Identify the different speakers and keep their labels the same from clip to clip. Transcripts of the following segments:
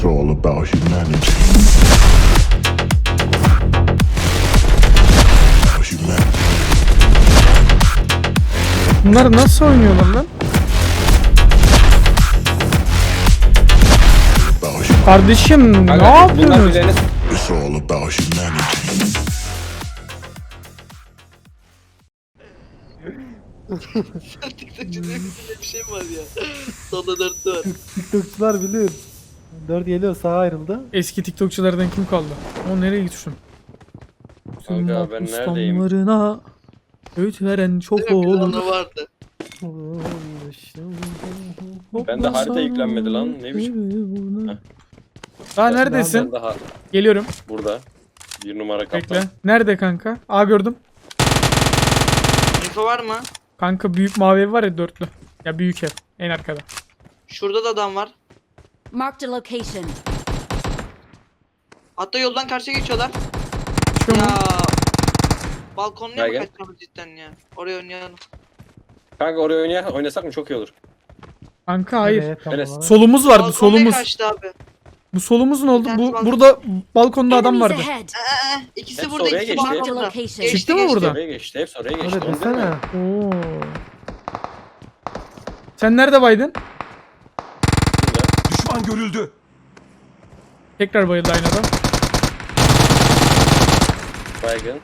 Speaker 1: It's all about humanity. Humanity.
Speaker 2: Bunlar nasıl oynuyorlar lan? Kardeşim ne
Speaker 3: Kanka, bunlar
Speaker 2: yapıyorsunuz?
Speaker 3: bileğini
Speaker 1: It's all about humanity.
Speaker 4: TikTokçuda bir şey var ya. Sonunda 4 var.
Speaker 5: TikTokçular bilir. 4 geliyor, sağa ayrıldı.
Speaker 2: Eski TikTokçulardan kim kaldı? O nereye gitsin?
Speaker 3: Kanka, ben neredeyim?
Speaker 2: Ustamlarına öğüt veren çok
Speaker 4: Değil mi? Bir
Speaker 2: olur.
Speaker 4: tane vardı.
Speaker 3: Bende harita yüklenmedi lan, ne biçim? Heh.
Speaker 2: Daha neredesin?
Speaker 3: Ben daha
Speaker 2: Geliyorum.
Speaker 3: burada. Bir numara kaptan.
Speaker 2: Bekle. Nerede kanka? Aa gördüm.
Speaker 4: Info var mı?
Speaker 2: Kanka büyük mavi ev var ya, dörtlü. Ya büyük ev. En arkada.
Speaker 4: Şurada da adam var.
Speaker 6: Marked a location.
Speaker 4: Hatta yoldan karşıya geçiyorlar.
Speaker 2: Çıkıyor mu?
Speaker 4: Ya. Balkonluya mı
Speaker 3: Gel, gel.
Speaker 4: kaçmamız cidden ya? Oraya oynayalım.
Speaker 3: Kanka oraya oynasak mı çok iyi olur.
Speaker 2: Kanka hayır.
Speaker 5: Evet, tamam.
Speaker 3: Enes.
Speaker 2: Solumuz vardı,
Speaker 4: Balkonluya
Speaker 2: solumuz.
Speaker 4: kaçtı abi.
Speaker 2: Bu solumuz ne oldu?
Speaker 4: Bir tanesi balkon.
Speaker 2: Burada balkonda adam
Speaker 6: Enemies
Speaker 2: vardı.
Speaker 6: ahead.
Speaker 4: İkisi
Speaker 3: Hepsi
Speaker 4: burada,
Speaker 3: oraya
Speaker 4: ikisi
Speaker 3: geçti.
Speaker 4: balkonda.
Speaker 6: Location.
Speaker 4: Geçti,
Speaker 2: Çıktı mı
Speaker 4: geçti.
Speaker 2: burada?
Speaker 3: Oraya geçti, hepsi oraya geçti.
Speaker 5: Öyle
Speaker 3: Onu değil mi?
Speaker 5: desene.
Speaker 2: Oo. Sen nerede baydın?
Speaker 7: Düşman görüldü.
Speaker 2: Tekrar bayıldı aynı adam.
Speaker 3: Baygın.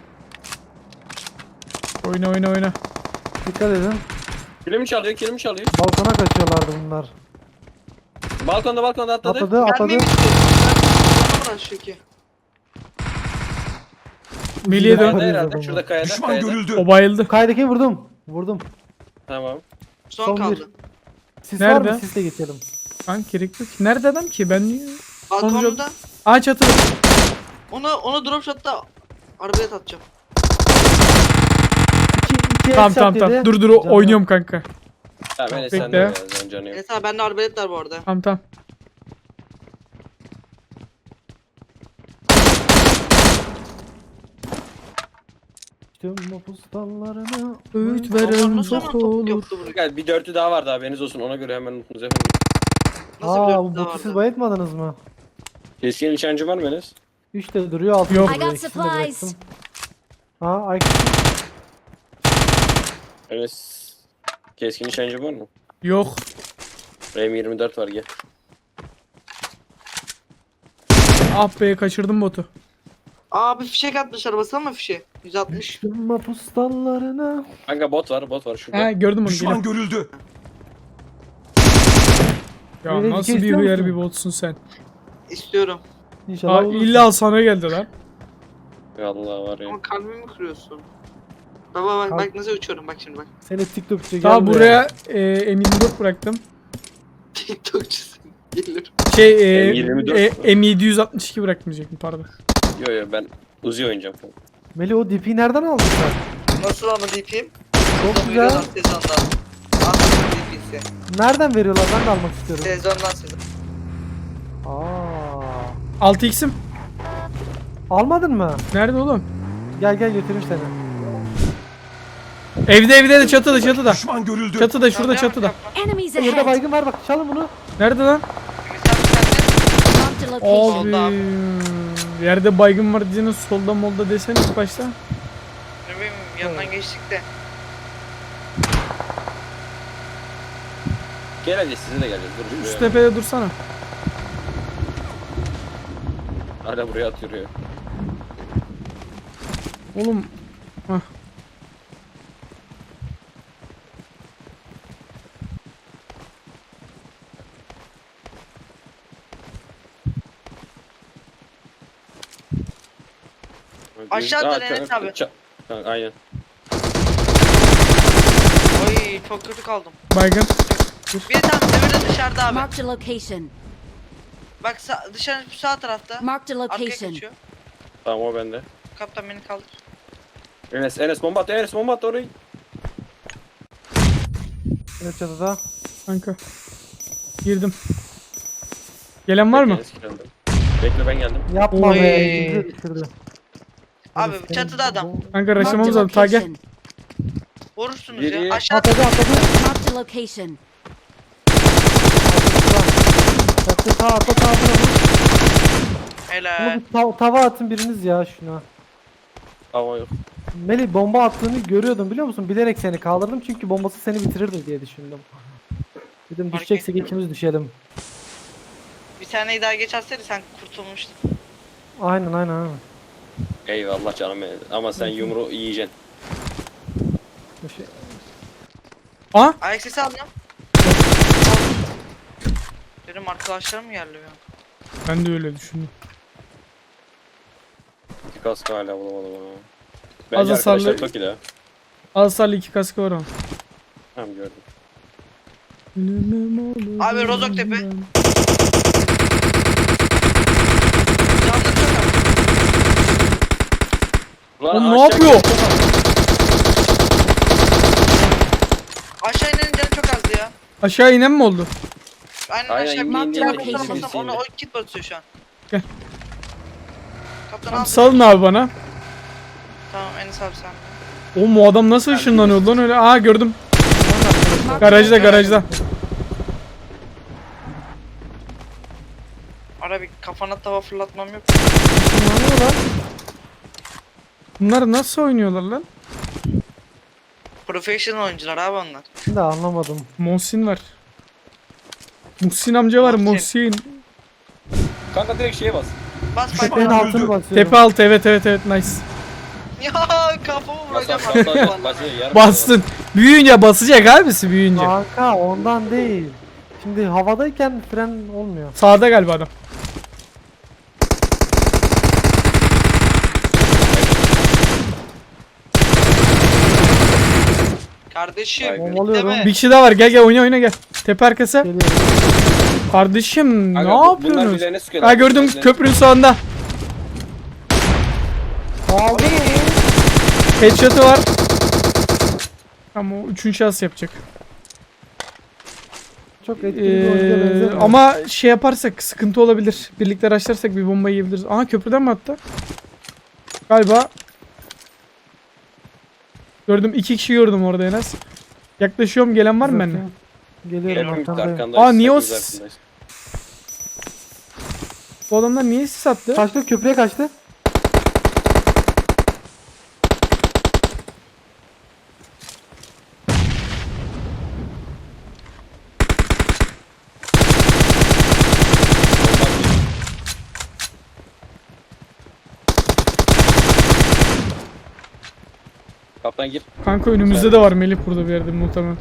Speaker 2: Oyna oyna oyna.
Speaker 5: Dikkat edin.
Speaker 3: Kilimi çalıyor, kilimi çalıyor.
Speaker 5: Balkona kaçıyorlardı bunlar.
Speaker 3: Balkonda atladı.
Speaker 5: Atladı, atladı.
Speaker 4: Gelmeyeyim istiyorum. Burası şu ki.
Speaker 2: Melih'e dön.
Speaker 3: Kayada herhalde, şurada kayada.
Speaker 7: Düşman
Speaker 3: kayada.
Speaker 7: görüldü.
Speaker 2: O bayıldı.
Speaker 5: Kaydaki vurdum. Vurdum.
Speaker 3: Tamam.
Speaker 4: Son
Speaker 5: Son
Speaker 4: kaldı.
Speaker 5: bir. Sis var
Speaker 2: Nerede?
Speaker 5: mı? Sisle geçelim.
Speaker 2: Kanka gerek yok. Nerede adam ki? Ben niye?
Speaker 4: Balkonda.
Speaker 2: Aa çatıda.
Speaker 4: Onu drop shot'ta arabaya atacağım.
Speaker 5: İki
Speaker 2: Tamam
Speaker 5: headshot
Speaker 2: tamam tamam.
Speaker 5: yedi.
Speaker 2: Dur
Speaker 5: Canı
Speaker 2: oynuyorum kanka.
Speaker 3: Tamam Enes
Speaker 2: Bekle.
Speaker 3: sen de ya, canı yok.
Speaker 4: Evet abi bende arbalet var bu arada.
Speaker 2: Tamam tamam.
Speaker 5: Tüm mapustallarına.
Speaker 2: Öğüt
Speaker 4: Onlar
Speaker 2: veren
Speaker 4: nasıl hemen
Speaker 2: çok
Speaker 4: topuk
Speaker 2: olur.
Speaker 4: yaptı buraya?
Speaker 3: Kanka bir dörtlü daha vardı, haberiniz olsun, ona göre hemen unutunuz efendim.
Speaker 4: Nasıl bir
Speaker 5: Aa,
Speaker 4: dörtlü
Speaker 5: bu
Speaker 4: daha
Speaker 5: botu siz
Speaker 4: vardı?
Speaker 5: bayıltmadınız mı?
Speaker 3: Keskin nişancı var mı Enes?
Speaker 5: 3 de duruyor, 6
Speaker 2: Yok.
Speaker 6: I got supplies.
Speaker 5: Ha, ay.
Speaker 3: Enes. Keskin nişancı var mı?
Speaker 2: Yok.
Speaker 3: RM24 var, gel.
Speaker 2: Ah be kaçırdım botu.
Speaker 4: Aa bir fişek atmış arabası ama fişe. 160.
Speaker 5: Tüm mapustallarına.
Speaker 3: Kanka bot var şurada.
Speaker 2: He gördüm onu.
Speaker 7: Düşman
Speaker 2: Geliyorum.
Speaker 7: görüldü.
Speaker 2: Ya
Speaker 5: Böyle
Speaker 2: nasıl
Speaker 5: dikey
Speaker 2: bir
Speaker 5: istiyor
Speaker 2: hıyar
Speaker 5: musun?
Speaker 2: bir botsun sen.
Speaker 4: İstiyorum.
Speaker 5: İnşallah
Speaker 2: Aa,
Speaker 5: olur.
Speaker 2: illa sana geldi lan.
Speaker 3: Allah var ya.
Speaker 4: Ama kalbimi kırıyorsun. Baba bak nasıl uçuyorum bak şimdi bak.
Speaker 5: Seni TikTokçu
Speaker 2: Daha
Speaker 5: geldi.
Speaker 2: buraya M24 bıraktım.
Speaker 4: TikTokçusun. Gelir.
Speaker 2: Şey
Speaker 3: M24
Speaker 2: M762 bırakmayacaktım pardon.
Speaker 3: Yo ben Uzi oynayacağım.
Speaker 5: Meli, o DP'yi nereden aldın sen?
Speaker 4: Nasıl ama DP'yim?
Speaker 5: Çok güzel.
Speaker 4: Sezondan. Anladım DP'si.
Speaker 5: Nereden veriyorlar? Ben de almak istiyorum.
Speaker 4: Sezondan sezon.
Speaker 5: Aa.
Speaker 2: 6x'im.
Speaker 5: Almadın mı?
Speaker 2: Nerede oğlum?
Speaker 5: Gel gel götüreyim seni.
Speaker 2: Evde de çatıda.
Speaker 7: Düşman görüldü.
Speaker 2: Çatıda şurada çatıda.
Speaker 6: Enemies
Speaker 5: Burada
Speaker 6: ahead.
Speaker 5: baygın var, bak çalın bunu.
Speaker 2: Nerede lan?
Speaker 6: Marked a location.
Speaker 2: Abi. Yerde baygın var diyeceğine solda molda desene ilk başta.
Speaker 4: Ne bileyim yanından geçtik de.
Speaker 3: Gel hadi size de geleceğiz. Dur
Speaker 2: Şu
Speaker 3: şuraya.
Speaker 2: tepede dursana.
Speaker 3: Hala buraya atıyor ya.
Speaker 2: Oğlum. Hah.
Speaker 4: Aşağıda
Speaker 3: Aa,
Speaker 4: Enes abi.
Speaker 3: Kanka, aynen.
Speaker 4: Oy çok kötü kaldım.
Speaker 2: Baygın.
Speaker 4: Bir tane öbürü de dışarıda abi.
Speaker 6: Marked a location.
Speaker 4: Bak dışarı sağ tarafta.
Speaker 6: Marked a
Speaker 4: Arkaya
Speaker 6: location.
Speaker 4: kaçıyor.
Speaker 3: Tamam o bende.
Speaker 4: Kaptan beni kaldır.
Speaker 3: Enes bomba at, Enes bomba at orayı.
Speaker 5: Evet, çatıda.
Speaker 2: Kanka. Girdim. Gelen var mı?
Speaker 3: Enes geldi. Bekle ben geldim.
Speaker 5: Yapma
Speaker 4: Oy.
Speaker 5: be. Güzel düşürdü.
Speaker 4: Abi
Speaker 5: Enes,
Speaker 4: çatıda
Speaker 5: senin-
Speaker 4: adam.
Speaker 2: Kanka
Speaker 6: Marked a
Speaker 2: raşlamamız lazım. Ta gel.
Speaker 6: location.
Speaker 4: Vurursunuz
Speaker 3: Biri-
Speaker 4: ya. Aşağıda.
Speaker 5: Atladı atladı.
Speaker 6: Marked a location.
Speaker 5: Çatı sağ atla, sağ atla.
Speaker 4: Helal.
Speaker 5: Tava atın biriniz ya şuna.
Speaker 3: Hava yok.
Speaker 5: Melih bomba attığını görüyordum biliyor musun? Bilerek seni kaldırdım çünkü bombası seni bitirirdi diye düşündüm. Dedim
Speaker 4: Fark
Speaker 5: düşeceksek
Speaker 4: ettim.
Speaker 5: ikimiz düşelim.
Speaker 4: Bir taneyi daha geç atsaydı sen kurtulmuştun.
Speaker 5: Aynen.
Speaker 3: Eyvallah canım benim. Ama sen yumruğu yiyeceksin.
Speaker 5: Bir şey-
Speaker 2: Aa
Speaker 4: Ayak sesi aldım. Dedim arkadaşlarım mı geldi ya?
Speaker 2: ben de öyle düşündüm.
Speaker 3: Bir kask hala bulamadım ama.
Speaker 2: Az
Speaker 3: Bence arkadaşlar
Speaker 2: hasarlı-
Speaker 3: Toki'de.
Speaker 2: Hasarlı 2 kaskı var ama.
Speaker 3: Tamam gördüm.
Speaker 4: Abi Rozoktepe. Canlı çok az.
Speaker 3: Ulan
Speaker 2: Oğlum ne
Speaker 3: aşağı
Speaker 2: yapıyor?
Speaker 3: gitti lan.
Speaker 4: Aşağı inenin canı çok azdı ya.
Speaker 2: Aşağı inen mi oldu?
Speaker 4: Aynen
Speaker 3: Aynen,
Speaker 4: aşağı
Speaker 3: indi,
Speaker 4: bir
Speaker 6: indi,
Speaker 4: tane
Speaker 6: indi,
Speaker 4: basamazsam
Speaker 3: indi,
Speaker 4: onu
Speaker 3: indi.
Speaker 4: o kit basıyor şu an.
Speaker 2: Gel.
Speaker 4: Kaptan
Speaker 2: Tamam,
Speaker 4: al.
Speaker 2: salın abi bana.
Speaker 4: Tamam Enes abi sen.
Speaker 2: Oğlum o adam nasıl ışınlanıyor lan öyle? Aa gördüm. Garajda garajda.
Speaker 4: Ara bir kafana tava fırlatmam yok.
Speaker 5: Işınlanıyor lan.
Speaker 2: Bunlar nasıl oynuyorlar lan?
Speaker 4: Professional oyuncular abi onlar.
Speaker 5: Şimdi anlamadım.
Speaker 2: Muhsin var. Muhsin amca var
Speaker 4: Muhsin.
Speaker 2: Muhsin.
Speaker 3: Kanka direkt şeye bas.
Speaker 4: Bas
Speaker 5: Tepenin
Speaker 4: bak.
Speaker 5: altını basıyorum.
Speaker 2: Tepe altı evet nice.
Speaker 4: Ya kafamı
Speaker 3: Bas
Speaker 4: vuracağım
Speaker 3: bas bas
Speaker 4: abi.
Speaker 3: bas. Yarım
Speaker 2: Bastın. Büyüyünce basacak abisi büyüyünce.
Speaker 5: Kanka ondan değil. Şimdi havadayken fren olmuyor.
Speaker 2: Sağda galiba adam.
Speaker 4: Kardeşim.
Speaker 3: Vay be.
Speaker 5: Bombalıyorum.
Speaker 2: Bir kişi daha var gel oyna gel. Tepe arkası.
Speaker 5: Geliyorum.
Speaker 2: Kardeşim
Speaker 3: Kanka,
Speaker 2: ne
Speaker 3: bunlar
Speaker 2: yapıyorsunuz?
Speaker 3: birbirlerine sıkıyorlar.
Speaker 2: Ha gördüm
Speaker 3: Birbirlerine-
Speaker 2: köprünün sağında.
Speaker 5: Aldı mı?
Speaker 2: Headshot'ı var. Ama o 3. şans yapacak.
Speaker 5: Çok etkili bir oyuncuya benzemiyor.
Speaker 2: Ama şey yaparsak sıkıntı olabilir. Birlikte araçlarsak bir bomba yiyebiliriz. Aha köprüden mi attı? Galiba. Gördüm 2 kişi gördüm orada en az. Yaklaşıyorum gelen var mı benimle?
Speaker 5: Geliyorum
Speaker 3: Geliyorum bitti
Speaker 5: arkandayım.
Speaker 3: arkandayız.
Speaker 2: Aa, niye o
Speaker 3: hepimiz
Speaker 2: s-
Speaker 3: arkandayız.
Speaker 2: Bu adamlar niye sis attı?
Speaker 5: Kaçtı köprüye kaçtı.
Speaker 3: Kaptan gir.
Speaker 2: Kanka önümüzde de var Melih burada bir yerde muhtemelen.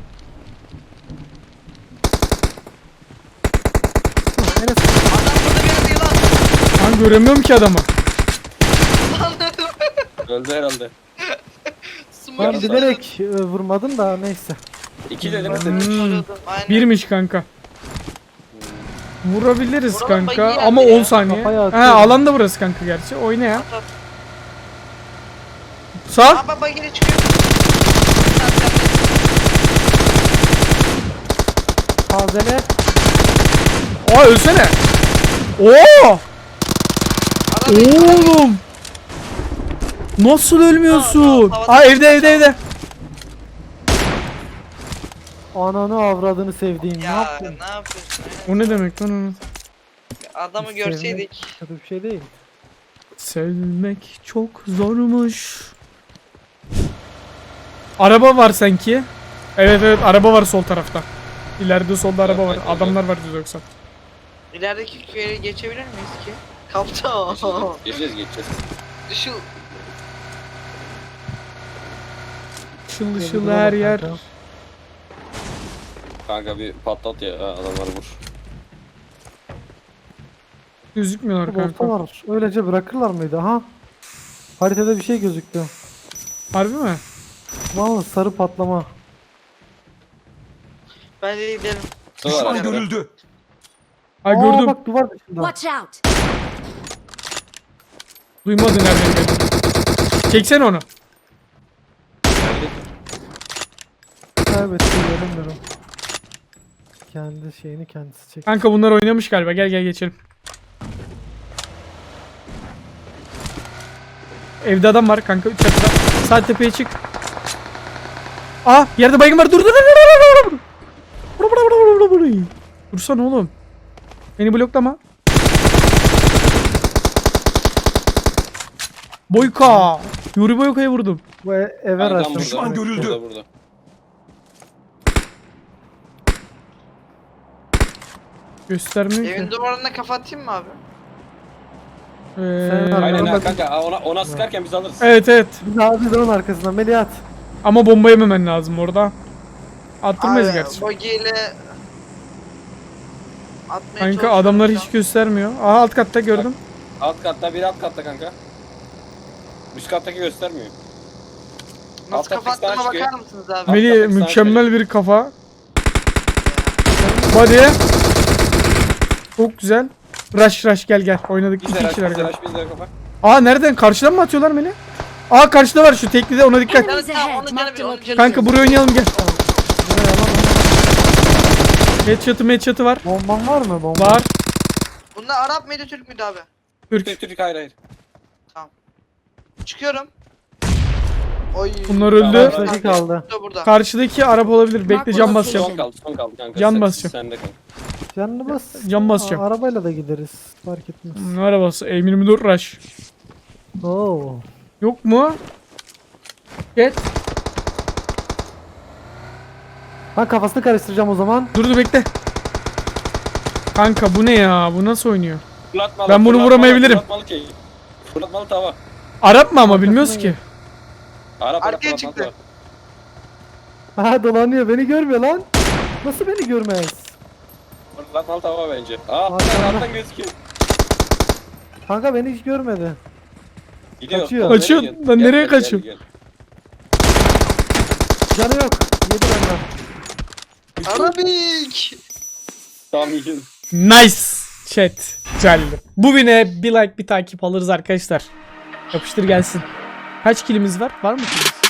Speaker 5: Enes
Speaker 4: Adam burada bir yerde yılan.
Speaker 2: Ben göremiyorum ki adamı.
Speaker 3: Öldü herhalde.
Speaker 4: Smoke
Speaker 5: ben
Speaker 4: istedim.
Speaker 5: bilerek vurmadım da neyse.
Speaker 3: 2 dedim mi
Speaker 2: Hmm.
Speaker 3: senin?
Speaker 4: Aynen.
Speaker 2: Birmiş kanka. Vurabiliriz
Speaker 4: Vuralım,
Speaker 2: kanka
Speaker 4: bayı
Speaker 2: ama
Speaker 4: yendi
Speaker 2: 10
Speaker 4: ya.
Speaker 2: saniye.
Speaker 5: Kafaya
Speaker 2: Ha
Speaker 5: atıyorum.
Speaker 2: alan da burası kanka gerçi. Oyna ya.
Speaker 4: At, at.
Speaker 2: Sağ.
Speaker 4: Aa bak bagire çıkıyor. Sen de.
Speaker 5: Tazele.
Speaker 2: Aa ölsene. Oo!
Speaker 4: Adam
Speaker 2: Oğlum. Nasıl ölmüyorsun?
Speaker 4: Havada-
Speaker 2: Aa evde.
Speaker 5: Ananı avradını sevdiğim. Ne
Speaker 4: Ya
Speaker 5: yaptın?
Speaker 4: ne yapıyorsun?
Speaker 2: O ne demek lan onu?
Speaker 4: Adamı
Speaker 5: Sevmek
Speaker 4: görseydik.
Speaker 5: Kötü bir şey değil.
Speaker 2: Sevmek çok zormuş. Araba var sanki. Evet araba var sol tarafta. İleride solda araba var.
Speaker 3: evet.
Speaker 2: Adamlar var 190.
Speaker 4: İlerideki köye geçebilir miyiz ki? Kaptan.
Speaker 3: Geçeceğiz geçeceğiz.
Speaker 4: Şu
Speaker 2: Işıl ışıl
Speaker 5: Gördüm
Speaker 2: her
Speaker 5: ama
Speaker 2: yer.
Speaker 5: kanka.
Speaker 3: Kanka bir patlat ya adamları vur.
Speaker 2: Gözükmüyorlar kanka.
Speaker 5: Olsalar öylece bırakırlar mıydı? Ha? Haritada bir şey gözüktü.
Speaker 2: Harbi mi?
Speaker 5: Vallahi sarı patlama.
Speaker 4: bence gidelim.
Speaker 3: Düşman
Speaker 1: görüldü.
Speaker 2: Ha
Speaker 5: Aa,
Speaker 2: gördüm.
Speaker 5: bak duvar dışında.
Speaker 6: Watch out!
Speaker 2: Duymadı nereden geldi. Çeksene onu.
Speaker 5: Kaybetti göremiyorum. Kendi şeyini kendisi çek.
Speaker 2: Kanka bunlar oynamış galiba. Gel geçelim. Evde adam var kanka. Çatıda. Sağ tepeye çık. Aa yerde baygın var. Dur. Dursana oğlum. Beni bloklama. Boyka. Yuri Boyka'yı vurdum.
Speaker 5: Bu eve
Speaker 3: Kankam
Speaker 5: araçlamış.
Speaker 3: burada. Burada.
Speaker 2: Göstermiyor
Speaker 4: Evin
Speaker 2: ki.
Speaker 4: duvarına kafa atayım mı abi?
Speaker 5: Sen
Speaker 3: Aynen ha
Speaker 5: bak-
Speaker 3: kanka ona sıkarken biz alırız.
Speaker 2: Evet.
Speaker 5: Biz onun arkasından Melih at.
Speaker 2: Ama bomba yememen lazım orada. Attırmayız gerçi.
Speaker 4: Bogiyle atmaya
Speaker 2: Kanka
Speaker 4: çalışıyorum
Speaker 2: adamları
Speaker 4: şu
Speaker 2: hiç göstermiyor. Aha alt katta gördüm.
Speaker 3: Alt katta biri alt katta kanka. Üst kattaki göstermiyor.
Speaker 4: an. Nasıl
Speaker 3: Altta
Speaker 4: kafa
Speaker 3: pistan
Speaker 4: attığıma
Speaker 3: çıkıyor.
Speaker 4: bakar mısınız abi?
Speaker 2: Melih
Speaker 3: kattaki sana
Speaker 2: mükemmel bir kafa. Body. Çok güzel. Rush gel. Oynadık
Speaker 3: Bizde
Speaker 2: 2
Speaker 3: raş
Speaker 2: kişiler.
Speaker 3: bizde
Speaker 2: gel.
Speaker 3: raş bizde kafa.
Speaker 2: Aa nereden? Karşıdan mı atıyorlar Melih? Aa karşıda var şu tekli de ona dikkat.
Speaker 4: Tamam,
Speaker 6: Enemies ahead.
Speaker 4: onun canı
Speaker 6: Marked
Speaker 4: bir,
Speaker 6: a
Speaker 4: onun canı
Speaker 6: location.
Speaker 2: Kanka buraya oynayalım gel. Headshot'ı var.
Speaker 5: Bomban var mı? Bomba.
Speaker 2: Var.
Speaker 4: Bunlar Arap mıydı Türk müydü abi?
Speaker 2: Türk.
Speaker 3: Türk hayır.
Speaker 4: Çıkıyorum. Oy.
Speaker 2: Bunlar öldü.
Speaker 5: Karşıdaki kaldı.
Speaker 4: Burada.
Speaker 2: Karşıdaki Arap olabilir. Bekle cam basacağım.
Speaker 3: Son kaldı kanka.
Speaker 2: Can
Speaker 3: Sen-
Speaker 2: basacağım.
Speaker 3: Sende kanka.
Speaker 5: Canını bas.
Speaker 2: Can basacağım.
Speaker 5: Arabayla da gideriz. Fark etmez.
Speaker 2: Ne arabası? M24 Rush.
Speaker 5: Oo.
Speaker 2: Yok mu? Get.
Speaker 5: Ben kafasını karıştıracağım o zaman.
Speaker 2: Dur bekle. Kanka bu ne ya? Bu nasıl oynuyor?
Speaker 3: Fırlatmalı,
Speaker 2: Ben bunu
Speaker 3: fırlatmalı,
Speaker 2: vuramayabilirim.
Speaker 3: Fırlatmalı ki. Fırlatmalı tava.
Speaker 2: Arap mı ama bilmiyoruz ki.
Speaker 3: Arap
Speaker 4: Arkaya
Speaker 3: fırlatmalı
Speaker 4: çıktı.
Speaker 3: tava.
Speaker 5: Ha dolanıyor beni görmüyor lan. Nasıl beni görmez?
Speaker 3: Fırlatmalı tava bence. Aa
Speaker 5: Arkada.
Speaker 3: alttan gözüküyor.
Speaker 5: Kanka beni hiç görmedi.
Speaker 3: Gidiyor.
Speaker 5: Kaçıyor.
Speaker 3: Oğlum,
Speaker 2: Kaçıyor.
Speaker 3: nereye
Speaker 2: Lan
Speaker 3: gel-
Speaker 2: nereye
Speaker 3: gel-
Speaker 2: kaçıyor?
Speaker 3: gel-
Speaker 5: Canı yok. Yedi benden.
Speaker 4: Arabik.
Speaker 3: Tamam iyi.
Speaker 2: Nice. Chat. Güzel. Bu win'e bir like bir takip alırız arkadaşlar. Yapıştır gelsin. Kaç kilimiz var? Var mı kilimiz?